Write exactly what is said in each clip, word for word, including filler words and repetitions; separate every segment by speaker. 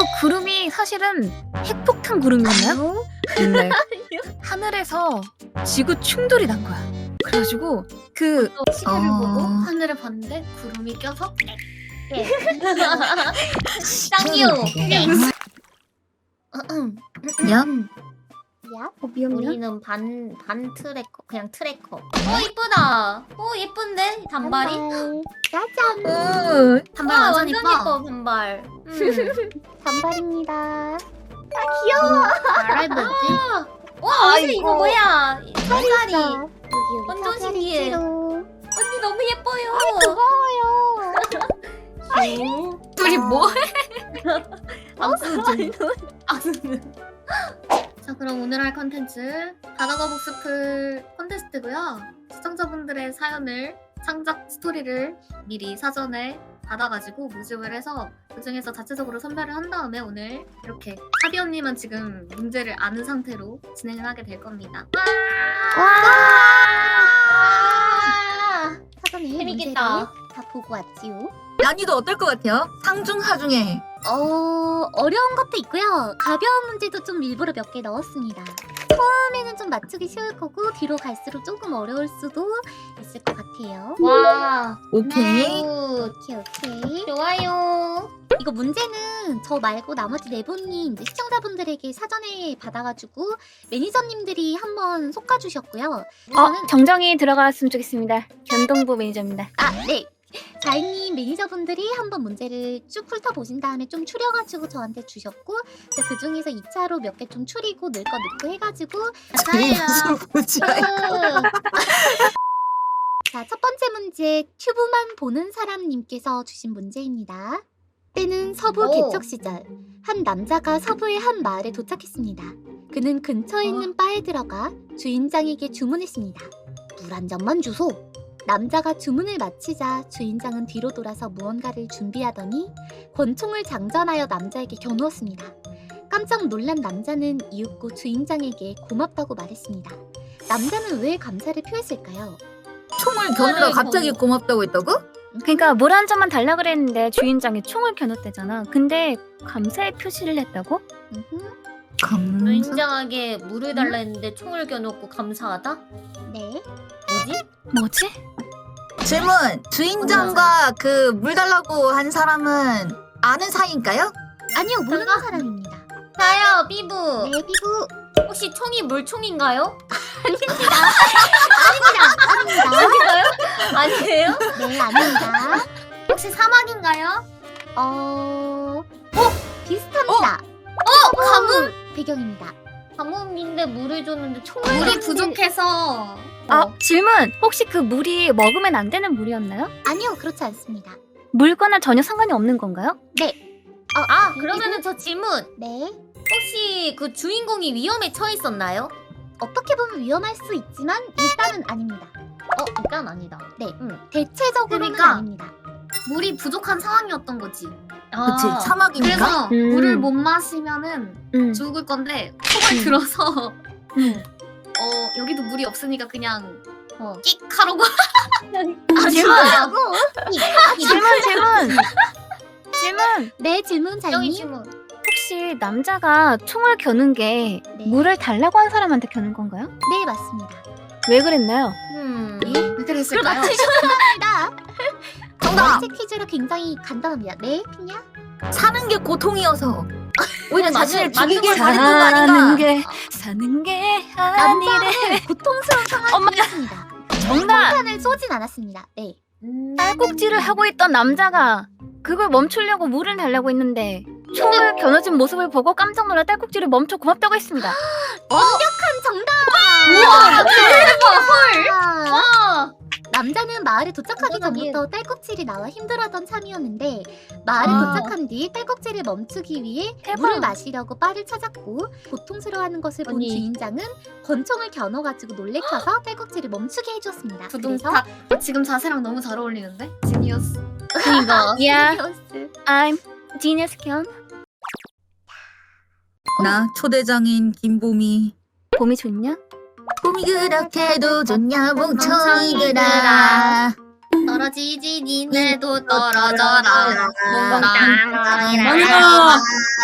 Speaker 1: 구름이 사실은 핵폭탄 구름이었나요? 근데 하늘에서 지구 충돌이 난 거야. 그래가지고 그
Speaker 2: 시계를
Speaker 1: 어...
Speaker 2: 보고 하늘을 봤는데 구름이 껴서 짱이요.
Speaker 1: 야?
Speaker 2: 야?
Speaker 1: 어, 미안해.
Speaker 2: 우리는 반, 반 트래커, 그냥 트래커. 어, 이쁘다. 어, 예쁜데? 단발이?
Speaker 3: 짜잔.
Speaker 1: 어,
Speaker 2: 단발
Speaker 3: 와,
Speaker 2: 완전,
Speaker 3: 완전
Speaker 2: 예뻐.
Speaker 3: 예뻐,
Speaker 2: 단발. 음.
Speaker 3: 단발입니다. 아
Speaker 2: 말해보지? 와, 언니 이거 뭐야? 살살이.
Speaker 3: 여기 여기
Speaker 2: 완전
Speaker 3: 사다리
Speaker 2: 신기해.
Speaker 3: 찌로.
Speaker 2: 언니 너무 예뻐요.
Speaker 3: 고마워요.
Speaker 1: 둘이 뭐해?
Speaker 2: 악수는. 악수는. 자, 그럼 오늘 할 컨텐츠 바다거북 스플 콘테스트고요. 시청자분들의 사연을 창작 스토리를 미리 사전에 받아가지고 모집을 해서 그 중에서 자체적으로 선별을 한 다음에 오늘 이렇게 사비 언니만 지금 문제를 아는 상태로 진행을 하게 될 겁니다.
Speaker 3: 와. 사전에
Speaker 2: 재밌겠다.
Speaker 3: 문제를 다 보고 왔지요.
Speaker 1: 난이도 어떨 것 같아요? 상중 하중에.
Speaker 3: 어 어려운 것도 있고요. 가벼운 문제도 좀 일부러 몇 개 넣었습니다. 처음에는 좀 맞추기 쉬울 거고 뒤로 갈수록 조금 어려울 수도 있을 것 같아요.
Speaker 2: 와,
Speaker 1: 오케이.
Speaker 2: 굿.
Speaker 3: 오케이 오케이.
Speaker 2: 좋아요.
Speaker 3: 이거 문제는 저 말고 나머지 네 분이 이제 시청자분들에게 사전에 받아가지고 매니저님들이 한번 솎아주셨고요.
Speaker 4: 어,
Speaker 3: 저는
Speaker 4: 정정이 들어갔으면 좋겠습니다. 변동부 매니저입니다.
Speaker 3: 아 네. 자인님 매니저분들이 한번 문제를 쭉 훑어보신 다음에 좀 추려가지고 저한테 주셨고 그 중에서 이 차로 몇 개 좀 추리고 넣을 거 넣고 해가지고
Speaker 2: 맞아요.
Speaker 3: 자, 첫 번째 문제 튜브만 보는 사람님께서 주신 문제입니다. 때는 서부
Speaker 2: 오.
Speaker 3: 개척 시절 한 남자가 서부의 한 마을에 도착했습니다. 그는 근처에 있는 바에 들어가 주인장에게 주문했습니다. 물 한 잔만 주소. 남자가 주문을 마치자 주인장은 뒤로 돌아서 무언가를 준비하더니 권총을 장전하여 남자에게 겨누었습니다. 깜짝 놀란 남자는 이윽고 주인장에게 고맙다고 말했습니다. 남자는 왜 감사를 표했을까요?
Speaker 1: 총을 겨누다 갑자기 고맙다고 했다고?
Speaker 4: 그러니까 물 한 잔만 달라 그랬는데 주인장이 총을 겨눴대잖아. 근데 감사의 표시를 했다고?
Speaker 3: 음흠.
Speaker 1: 감사.
Speaker 2: 주인장에게 물을 달라 했는데 총을 겨누고 감사하다?
Speaker 3: 네.
Speaker 2: 뭐지?
Speaker 4: 뭐지?
Speaker 1: 질문. 주인장과 그 물 달라고 한 사람은 아는 사이인가요?
Speaker 3: 아니요, 모르는
Speaker 2: 잠깐.
Speaker 3: 사람입니다.
Speaker 2: 나요, 삐부.
Speaker 3: 네, 피부.
Speaker 2: 혹시 총이 물총인가요?
Speaker 3: 아닙니다.
Speaker 2: 아닌가요? 아니에요?
Speaker 3: 네, 아닙니다.
Speaker 2: 혹시 사막인가요?
Speaker 3: 어... 어? 비슷합니다.
Speaker 2: 어, 가뭄?
Speaker 3: 배경입니다.
Speaker 2: 가뭄인데 물을 줬는데 총을
Speaker 3: 물이
Speaker 2: 줬는데-
Speaker 3: 부족해서...
Speaker 4: 아, 질문. 혹시 그 물이 먹으면 안 되는 물이었나요?
Speaker 3: 아니요, 그렇지 않습니다.
Speaker 4: 물과는 전혀 상관이 없는 건가요?
Speaker 2: 아, 그러면은 저 질문.
Speaker 3: 네.
Speaker 2: 혹시 그 주인공이 위험에 처했었나요?
Speaker 3: 어떻게 보면 위험할 수 있지만 일단은 아닙니다.
Speaker 2: 어, 일단 아니다.
Speaker 3: 네.
Speaker 2: 응.
Speaker 3: 대체적으로는
Speaker 2: 그러니까
Speaker 3: 아닙니다.
Speaker 2: 물이 부족한 상황이었던 거지.
Speaker 1: 그치. 사막이니까.
Speaker 2: 그래서
Speaker 4: 음.
Speaker 2: 물을 못 마시면은
Speaker 4: 응.
Speaker 2: 죽을 건데 총을
Speaker 4: 음.
Speaker 2: 들어서
Speaker 4: 응.
Speaker 2: 어 여기도 물이 없으니까 그냥
Speaker 3: 어.
Speaker 2: 끽 하라고.
Speaker 4: 아, 질문.
Speaker 3: 하고
Speaker 4: 질문, 질문. 질문.
Speaker 3: 네, 질문
Speaker 2: 여기
Speaker 3: 자이님.
Speaker 2: 질문.
Speaker 4: 혹시 남자가 총을 겨눈 게
Speaker 3: 네.
Speaker 4: 물을 달라고 한 사람한테 겨눈 건가요?
Speaker 3: 네, 맞습니다.
Speaker 4: 왜 그랬나요?
Speaker 2: 음.
Speaker 3: 예?
Speaker 2: 왜 그랬을까요?
Speaker 3: 맞추셨습니다.
Speaker 1: 정답.
Speaker 3: 번째 퀴즈로 굉장히 간단합니다. 네, 피냐?
Speaker 1: 사는 게 고통이어서. 오히려
Speaker 2: 맞는-
Speaker 1: 자신을
Speaker 2: 맞는
Speaker 1: 죽이게
Speaker 2: 걸
Speaker 1: 잘했던 거
Speaker 4: 사는
Speaker 1: 아닌가?
Speaker 4: 게 사는 게 아니래.
Speaker 3: 남자는 고통스러운 상황이었습니다.
Speaker 4: 정답.
Speaker 3: 폭탄을 쏘진 않았습니다. 네.
Speaker 2: 음.
Speaker 4: 딸꾹질을 하고 있던 남자가 그걸 멈추려고 물을 달라고 했는데 총을 겨누진 모습을 보고 깜짝 놀라 딸꾹질을 멈춰 고맙다고 했습니다.
Speaker 3: 완벽한 정답!
Speaker 2: 우와, 대박. 헐.
Speaker 3: 아,
Speaker 2: 와.
Speaker 3: 남자는 마을에 도착하기
Speaker 2: 어머나니.
Speaker 3: 전부터 딸꾹질이 나와 힘들어하던 참이었는데 마을에
Speaker 2: 아.
Speaker 3: 도착한 뒤 딸꾹질을 멈추기 위해
Speaker 4: 대박.
Speaker 3: 물을 마시려고 바를 찾았고 고통스러워하는 것을 본
Speaker 2: 언니.
Speaker 3: 주인장은 권총을 겨눠가지고 놀래켜서 딸꾹질을 멈추게 해줬습니다. 그래서
Speaker 2: 부동탁. 지금 자세랑 너무 잘 어울리는데? 지니어스.
Speaker 4: 그니까 야,
Speaker 3: 지니어스.
Speaker 4: I'm genius 견.
Speaker 1: 나 초대장인 김봄이.
Speaker 4: 봄이 좋냐?
Speaker 1: 봄이 그렇게도 좋냐 멍청이들아.
Speaker 2: 따라 떨어지지 니네도 떨어져라.
Speaker 1: 아니야.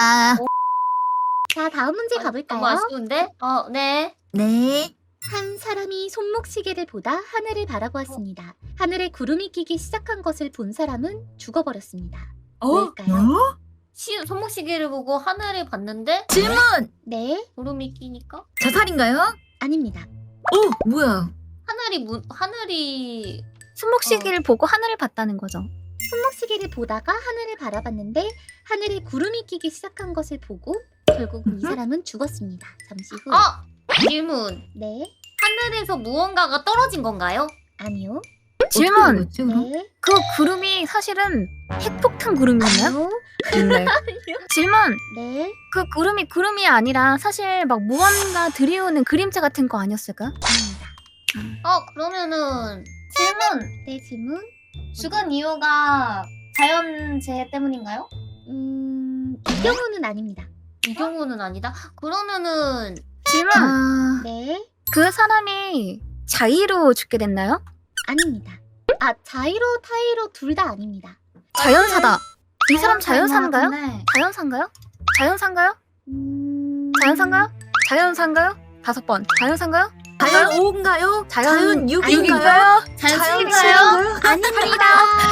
Speaker 3: 자, 다음 문제
Speaker 2: 너무
Speaker 3: 가볼까요?
Speaker 2: 아쉬운데? 어, 네.
Speaker 1: 네.
Speaker 3: 한 사람이 손목시계를 보다 하늘을 바라보았습니다. 하늘에 구름이 끼기 시작한 것을 본 사람은 죽어버렸습니다. 왜일까요?
Speaker 1: 어?
Speaker 2: 시, 손목시계를 보고 하늘을 봤는데
Speaker 1: 질문.
Speaker 3: 네,
Speaker 2: 구름이 끼니까
Speaker 1: 자살인가요?
Speaker 3: 아닙니다.
Speaker 1: 어, 뭐야?
Speaker 2: 하늘이 무, 하늘이
Speaker 4: 손목시계를 보고 하늘을 봤다는 거죠.
Speaker 3: 손목시계를 보다가 하늘을 바라봤는데 하늘에 구름이 끼기 시작한 것을 보고 결국 이 사람은 죽었습니다. 잠시 후.
Speaker 2: 아! 질문.
Speaker 3: 네,
Speaker 2: 하늘에서 무언가가 떨어진 건가요?
Speaker 3: 아니요.
Speaker 4: 질문.
Speaker 1: 어떻게 그랬지,
Speaker 3: 네,
Speaker 4: 그 구름이 사실은 핵폭탄 구름이었나요?
Speaker 3: 아니요.
Speaker 4: 네. 질문.
Speaker 3: 네,
Speaker 4: 그 구름이 구름이 아니라 사실 막 무언가 들이오는 그림자 같은 거 아니었을까?
Speaker 3: 아닙니다.
Speaker 2: 어, 그러면은 질문.
Speaker 3: 네, 질문.
Speaker 2: 죽은 이유가 자연재해 때문인가요?
Speaker 3: 음, 이 경우는 아닙니다.
Speaker 2: 이 경우는 아니다. 그러면은
Speaker 4: 질문.
Speaker 1: 아,
Speaker 3: 네,
Speaker 4: 그 사람이 자의로 죽게 됐나요?
Speaker 3: 아닙니다. 아, 자이로, 타이로 둘 다 아닙니다.
Speaker 4: 자연사다. 이 사람 자연사인가요?
Speaker 2: 네.
Speaker 4: 자연사인가요? 자연사인가요?
Speaker 3: 음...
Speaker 4: 자연사인가요? 자연사인가요? 다섯 번. 자연사인가요?
Speaker 1: 자연 오인가요? 자연 육인가요?
Speaker 4: 육인가요?
Speaker 2: 자연스인가요?
Speaker 3: 아닙니다.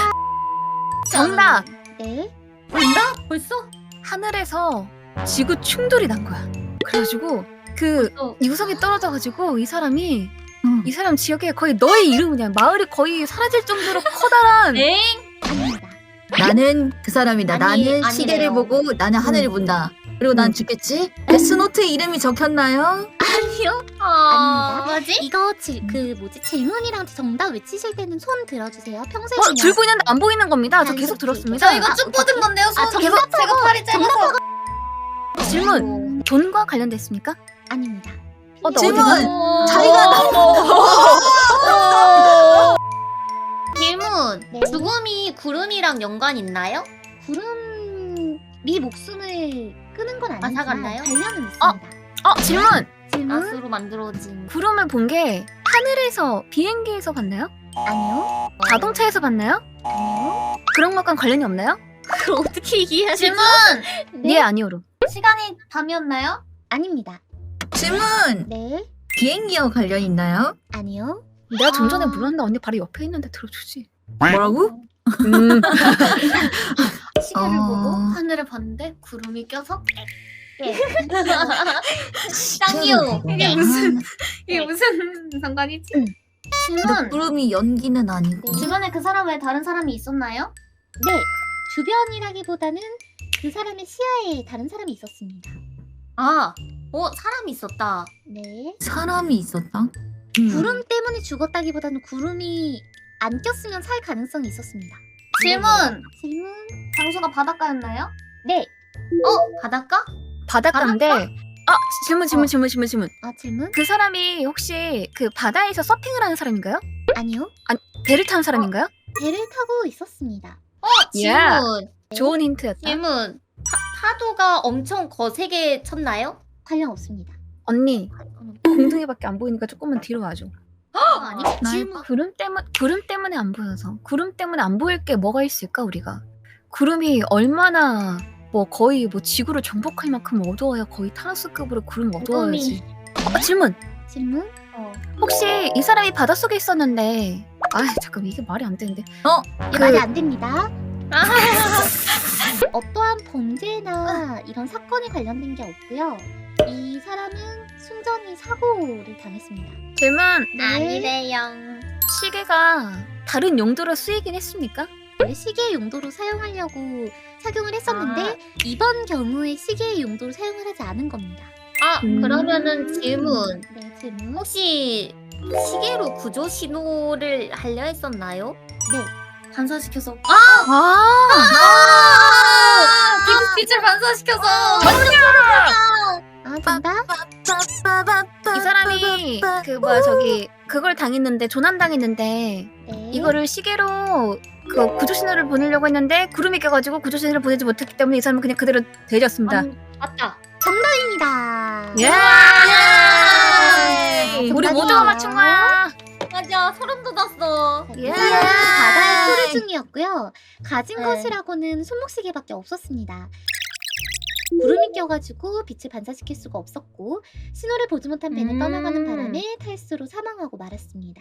Speaker 4: 정답.
Speaker 3: 네,
Speaker 2: 뭔가? 벌써?
Speaker 4: 하늘에서 지구 충돌이 난 거야. 그래가지고 그
Speaker 2: 어.
Speaker 4: 유성이 떨어져가지고 이 사람이
Speaker 1: 응.
Speaker 4: 이 사람 지역에 거의 너의 이름이냐 마을이 거의 사라질 정도로 커다란
Speaker 2: 엥?
Speaker 3: 아닙니다.
Speaker 1: 나는 그 사람이다.
Speaker 2: 아니,
Speaker 1: 나는
Speaker 2: 아니래요.
Speaker 1: 시계를 보고 나는 하늘을 본다. 그리고 난 죽겠지? 데스노트에 이름이 적혔나요?
Speaker 3: 아니요.
Speaker 2: 아,
Speaker 3: 아닙니다.
Speaker 2: 뭐지?
Speaker 3: 이거 질, 그 뭐지 질문이랑 정답 외치실 때는 손 들어주세요. 평소에
Speaker 4: 어,
Speaker 3: 그냥
Speaker 4: 들고 있는데 안 보이는 겁니다. 저
Speaker 3: 아니,
Speaker 4: 계속
Speaker 3: 그치.
Speaker 4: 들었습니다.
Speaker 2: 저 이거 쭉 뻗은 건데요. 손
Speaker 3: 아,
Speaker 2: 계속
Speaker 3: 정답하고-
Speaker 2: 제가 팔이 짧아서.
Speaker 4: 질문. 돈과 관련됐습니까?
Speaker 3: 아닙니다.
Speaker 4: 어, 나
Speaker 1: 질문!
Speaker 4: 어디
Speaker 2: 오.
Speaker 1: 자기가
Speaker 2: 질문.
Speaker 3: 네.
Speaker 2: 죽음이 구름이랑 연관 있나요?
Speaker 3: 구름이 목숨을 끄는 건 아니지만
Speaker 2: 맞아갔나요?
Speaker 3: 관련은 있습니다.
Speaker 4: 어, 질문.
Speaker 3: 질문?
Speaker 2: 가스로 만들어진.
Speaker 4: 구름을 본 게 하늘에서 비행기에서 봤나요?
Speaker 3: 아니요.
Speaker 4: 자동차에서 봤나요?
Speaker 3: 아니요.
Speaker 4: 그런 것과 관련이 없나요?
Speaker 3: 그걸 어떻게 이해하지?
Speaker 2: 질문.
Speaker 3: 네.
Speaker 4: 예, 아니오로.
Speaker 2: 시간이 밤이었나요?
Speaker 3: 아닙니다.
Speaker 1: 질문!
Speaker 3: 네.
Speaker 1: 비행기와 관련 있나요?
Speaker 3: 아니요.
Speaker 4: 내가 좀 전에
Speaker 2: 아.
Speaker 4: 물었는데 언니 바로 옆에 있는데 들어주지.
Speaker 1: 뭐라고?
Speaker 4: 음.
Speaker 2: 시계를
Speaker 1: 어.
Speaker 2: 보고 하늘을 봤는데 구름이 껴서 예. 짱이요. 이게 무슨 이게 무슨 상관이지?
Speaker 3: 응.
Speaker 2: 질문.
Speaker 1: 구름이 연기는 아니고.
Speaker 2: 주변에 그 사람 외에 다른 사람이 있었나요?
Speaker 3: 네. 주변이라기보다는 그 사람의 시야에 다른 사람이 있었습니다.
Speaker 2: 아, 어 사람이 있었다.
Speaker 3: 네.
Speaker 1: 사람이 있었다? 음.
Speaker 3: 구름 때문에 죽었다기보다는 구름이 안 꼈으면 살 가능성이 있었습니다.
Speaker 2: 질문.
Speaker 3: 질문?
Speaker 2: 장소가 바닷가였나요?
Speaker 3: 네.
Speaker 2: 어 바닷가?
Speaker 4: 바닷가인데. 아, 질문, 질문, 질문, 질문, 질문.
Speaker 3: 아, 질문?
Speaker 4: 그 사람이 혹시 그 바다에서 서핑을 하는 사람인가요?
Speaker 3: 아니요.
Speaker 4: 배를 타는 사람인가요?
Speaker 3: 배를 타고 있었습니다.
Speaker 2: 어
Speaker 4: 예.
Speaker 2: 질문.
Speaker 4: 좋은 힌트였다.
Speaker 2: 질문. 파, 파도가 엄청 거세게 쳤나요?
Speaker 3: 관련 없습니다.
Speaker 4: 언니, 공둥이밖에 안 보이니까 조금만 뒤로 와줘.
Speaker 2: 아니.
Speaker 1: 질문.
Speaker 4: 구름 때문 구름 때문에 안 보여서. 구름 때문에 안 보일 게 뭐가 있을까 우리가? 구름이 얼마나 뭐 거의 뭐 지구를 정복할 만큼 어두워야 거의 타노스급으로 구름 어두워야지. 어, 질문.
Speaker 3: 질문?
Speaker 2: 어.
Speaker 4: 혹시 이 사람이 바닷속에 있었는데 아 잠깐 이게 말이 안 되는데
Speaker 3: 이게
Speaker 4: 그-
Speaker 3: 말이 안 됩니다.
Speaker 2: 아.
Speaker 3: 어떠한 범죄나 이런 사건이 관련된 게 없고요. 이 사람은 순전히 사고를 당했습니다.
Speaker 4: 질문.
Speaker 3: 네.
Speaker 2: 아니래요.
Speaker 4: 시계가 다른 용도로 쓰이긴 했습니까?
Speaker 3: 원래 시계의 용도로 사용하려고 착용을 했었는데 이번 경우에 시계의 용도로 사용을 하지 않은 겁니다.
Speaker 2: 아
Speaker 4: 음.
Speaker 2: 그러면은 질문.
Speaker 3: 네, 질문.
Speaker 2: 혹시 시계로 구조 신호를 하려 했었나요?
Speaker 3: 네.
Speaker 2: 반사시켜서 아!
Speaker 4: 아,
Speaker 2: 아! 미국 빛을 반사시켜서
Speaker 3: 아, 정답?
Speaker 4: 이 사람이 그 뭐야 저기 그걸 당했는데 조난 당했는데
Speaker 3: 네.
Speaker 4: 이거를 시계로 그 구조 신호를 보내려고 했는데 구름이 껴가지고 구조 신호를 보내지 못했기 때문에 이 사람은 그냥 그대로 내렸습니다.
Speaker 2: 아니, 맞다.
Speaker 3: 정답입니다.
Speaker 4: 예!
Speaker 3: 아,
Speaker 4: 우리
Speaker 3: 정답이에요.
Speaker 4: 모두가 맞춘 거야.
Speaker 2: 맞아.
Speaker 5: 와 소름 돋았어.
Speaker 3: 예. 바다에
Speaker 1: 예.
Speaker 3: 토류 중이었고요. 가진
Speaker 5: 네.
Speaker 3: 것이라고는 손목시계밖에 없었습니다. 구름이 껴가지고 빛을 반사시킬 수가 없었고 신호를 보지 못한 배는
Speaker 5: 음.
Speaker 3: 떠나가는 바람에 탈수로 사망하고 말았습니다.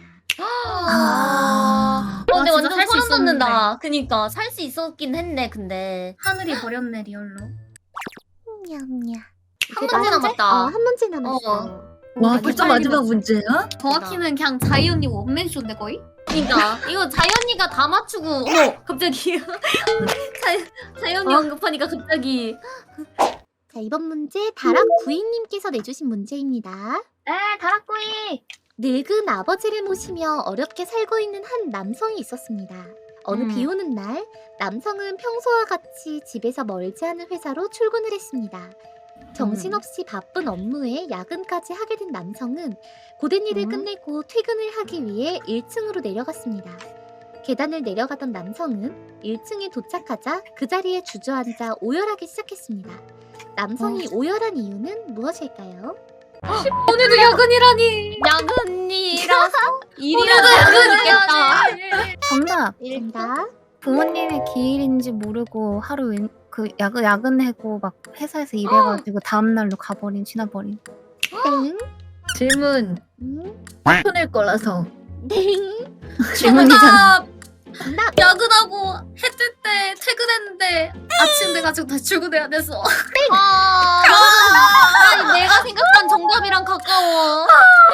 Speaker 1: 아.
Speaker 5: 어, 근데
Speaker 2: 아, 진짜
Speaker 5: 완전
Speaker 2: 살수
Speaker 5: 소름
Speaker 2: 있었는데.
Speaker 5: 돋는다. 그니까 살 수 있었긴 했네. 근데
Speaker 2: 하늘이 버렸네 리얼로.
Speaker 3: 냠냠.
Speaker 5: 한 문제 남았다.
Speaker 3: 어, 한 문제 남았어.
Speaker 5: 어.
Speaker 1: 와 벌써
Speaker 2: 빨리
Speaker 1: 마지막 문제야?
Speaker 2: 정확히는 그냥 자이 언니 원맨쇼인데 거의?
Speaker 5: 그니까 이거 자연이가 다 맞추고 어머 갑자기 자, 자연이
Speaker 1: 어?
Speaker 5: 언급하니까 갑자기
Speaker 3: 자 이번 문제 다락 구이님께서 내주신 문제입니다.
Speaker 2: 네 다락구이.
Speaker 3: 늙은 아버지를 모시며 어렵게 살고 있는 한 남성이 있었습니다. 어느
Speaker 5: 음.
Speaker 3: 비 오는 날 남성은 평소와 같이 집에서 멀지 않은 회사로 출근을 했습니다. 정신없이 바쁜 업무에 야근까지 하게 된 남성은 고된 일을
Speaker 5: 음.
Speaker 3: 끝내고 퇴근을 하기 위해 일 층으로 내려갔습니다. 계단을 내려가던 남성은 일 층에 도착하자 그 자리에 주저앉아 오열하기 시작했습니다. 남성이 오열한 이유는 무엇일까요?
Speaker 2: 오늘도 야근이라니.
Speaker 5: 야근이라서 일이라도 야근이겠다.
Speaker 4: 정답.
Speaker 3: 정답.
Speaker 4: 부모님의 기일인지 모르고 하루 웬, 그 야근 야근하고 막 회사에서 일해가지고 다음 날로 가버린 지나버린.
Speaker 3: 땡.
Speaker 1: 질문
Speaker 3: 음,
Speaker 1: 손을 거라서
Speaker 3: 땡.
Speaker 4: 질문이잖아.
Speaker 3: 정답.
Speaker 2: 야근하고 해 뜰 때 퇴근했는데 아침 돼가지고 다시 출근해야 돼서.
Speaker 5: 아, 아니, 내가 생각한 정답이랑 가까워.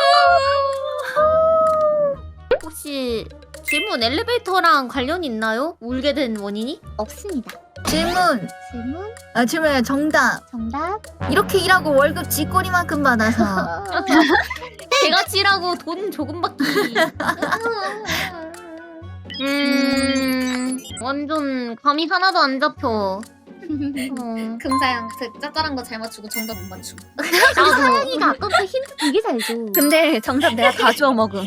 Speaker 5: 혹시 질문 엘리베이터랑 관련이 있나요? 울게 된 원인이?
Speaker 3: 없습니다.
Speaker 1: 질문
Speaker 3: 질문.
Speaker 1: 아 질문 정답
Speaker 3: 정답.
Speaker 1: 이렇게 일하고 월급 쥐꼬리만큼 받아서
Speaker 5: 개같이라고 돈 조금 받기. 음, 완전 감이 하나도 안 잡혀. 어.
Speaker 2: 금사양 그 짭짤한 거 잘 맞추고 정답 못 맞추고.
Speaker 3: 나도 사양이가 아까부터 힌트 되게 잘 줘.
Speaker 4: 근데 정답 내가 다 주워 먹음.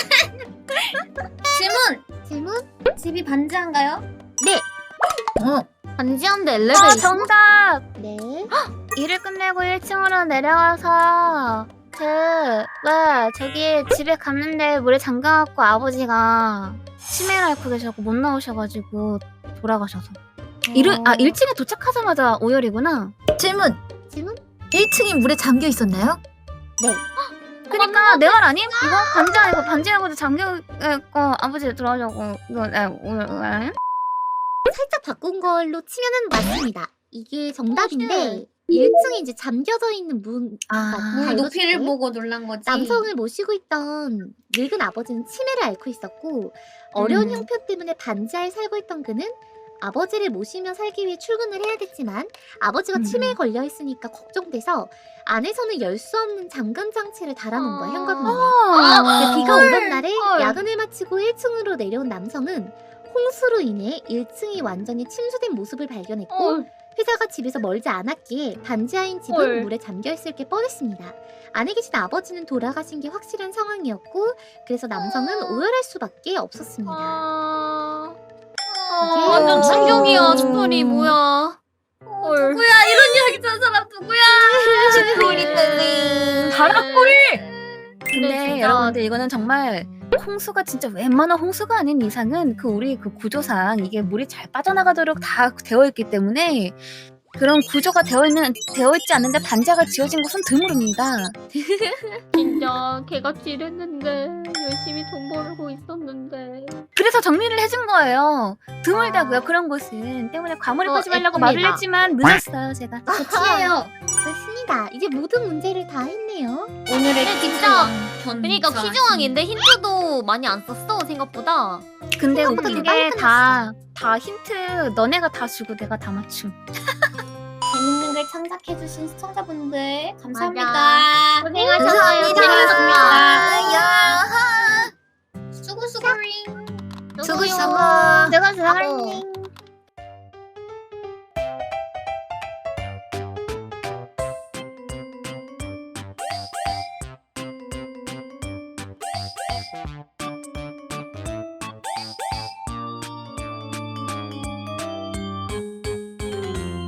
Speaker 2: 질문.
Speaker 3: 질문.
Speaker 2: 집이 반지한가요?
Speaker 1: 어
Speaker 5: 반지한데
Speaker 4: 아,
Speaker 5: 엘리베이터.
Speaker 4: 정답.
Speaker 3: 네.
Speaker 4: 일을 끝내고 일 층으로 내려가서 그 왜 저기 집에 갔는데 물에 잠가갖고 아버지가 치매를 앓고 계셔서 못 나오셔가지고 돌아가셔서 일을 아 일 층에 도착하자마자 오열이구나.
Speaker 1: 질문
Speaker 3: 질문.
Speaker 1: 일 층이 물에 잠겨 있었나요?
Speaker 4: 그러니까 내 말 아님? 이거 반지 아니고 반지하고도 잠겨있고 아버지 돌아가셔고 이거 에, 오늘 에?
Speaker 3: 살짝 바꾼 걸로 치면은 맞습니다. 이게 정답인데 일 층에 이제 잠겨져 있는 문.
Speaker 1: 아
Speaker 3: 물
Speaker 2: 물
Speaker 3: 높이를
Speaker 2: 높이를 보고 놀란 거지.
Speaker 3: 남성을 모시고 있던 늙은 아버지는 치매를 앓고 있었고 어려운
Speaker 1: 음.
Speaker 3: 형편 때문에 반지하에 살고 있던 그는 아버지를 모시며 살기 위해 출근을 해야 됐지만 아버지가
Speaker 1: 음.
Speaker 3: 치매에 걸려 있으니까 걱정돼서 안에서는 열 수 없는 잠금 장치를 달아놓은 거야 현관문에. 근데 비가 오던 날에
Speaker 5: 헐.
Speaker 3: 야근을 마치고 일 층으로 내려온 남성은 홍수로 인해 일 층이 완전히 침수된 모습을 발견했고 회사가 집에서 멀지 않았기에 반지하인 집은
Speaker 5: 헐.
Speaker 3: 물에 잠겨있을 게 뻔했습니다. 안에 계신 아버지는 돌아가신 게 확실한 상황이었고 그래서 남성은 오열할 수밖에 없었습니다.
Speaker 5: 아,
Speaker 3: 이게
Speaker 5: 완전 충격이야
Speaker 1: 어.
Speaker 5: 스토리 뭐야? 헐.
Speaker 2: 누구야 이런 이야기 짠 사람 누구야?
Speaker 4: 바락구이! 근데
Speaker 5: 근데 진짜-
Speaker 4: 여러분들 이거는 정말 홍수가 진짜 웬만한 홍수가 아닌 이상은 그 우리 그 구조상 이게 물이 잘 빠져나가도록 다 되어 있기 때문에 그런 구조가 되어 있는 되어 있지 않는데 반지하가 지어진 곳은 드물습니다.
Speaker 5: 진짜 개같이 일했는데 열심히 돈 벌고 있었는데.
Speaker 4: 그래서 정리를 해준 거예요. 드물다고요 그런 곳은 때문에 과몰입
Speaker 5: 어,
Speaker 4: 하지 말라고
Speaker 5: 예쁩니다.
Speaker 4: 말을 했지만 늦었어요 제가.
Speaker 2: 치예요.
Speaker 3: 그렇습니다. 이제 모든 문제를 다 했네요.
Speaker 2: 오늘의
Speaker 5: 근데 진짜
Speaker 2: 견.
Speaker 5: 그러니까 퀴즈왕인데 힌트도 많이 안 썼어 생각보다.
Speaker 4: 근데
Speaker 3: 생각보다
Speaker 4: 웃긴
Speaker 3: 되게 빨리
Speaker 4: 게 다 다 힌트 너네가 다 주고 내가 다 맞춤.
Speaker 2: 재밌는 걸 창작해주신 시청자분들 감사합니다.
Speaker 5: 맞아. 고생하셨어요.
Speaker 1: 감사합니다. 야
Speaker 2: 수고수고링.
Speaker 1: 수고수고
Speaker 5: 아,
Speaker 4: 내가 잘할래.